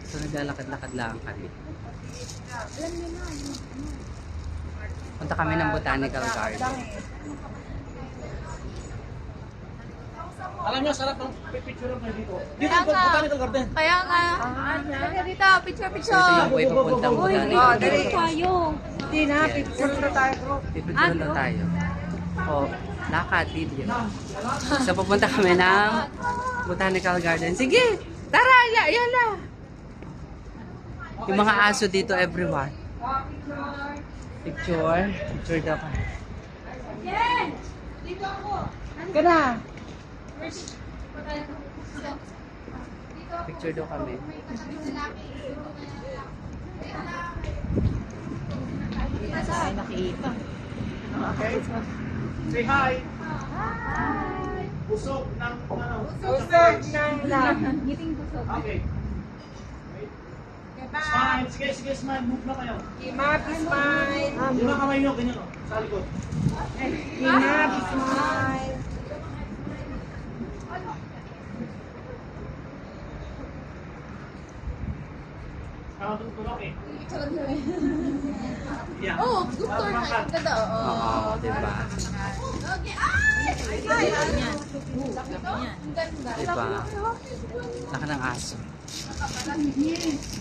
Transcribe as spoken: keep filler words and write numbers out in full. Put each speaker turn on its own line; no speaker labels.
So, naglalakad-lakad lang kami.
Alam niyo na, yung ano.
Punta kami ng Botanical Garden.
Alam niyo, sarap ng picture ng dito. Dito,
Kaya nga.
Botanical Garden.
Kaya nga. Kaya dito, picture,
So, ito
picture.
yung way papuntang
Uy,
Botanical
oh,
Garden.
dali tayo.
Hindi na, picture na tayo bro.
Pipicture na tayo. O, lakad, video. So, pupunta kami ng Botanical Garden. Sige! Tara! Ya, yan na! Yung mga aso dito, everyone. Picture. Picture daw ka.
Ka na.
Picture daw kami.
Ay, nakita.
Okay. Say hi. Busog ng ano.
Usog ng lang.
Ngiting busog.
Okay. Smile. Sige, sige, smile. Move na kayo.
Imabi smile.
Yung mga kamay nyo, ganyan o. Sa likod.
Imabi smile.
Kaya tutulog eh. Yeah.
Oh, good turn. Ang ganda, oo.
Oo, diba?
Okay, ay! Ay, yan. Ang ganda.
Diba? Laka ng aso.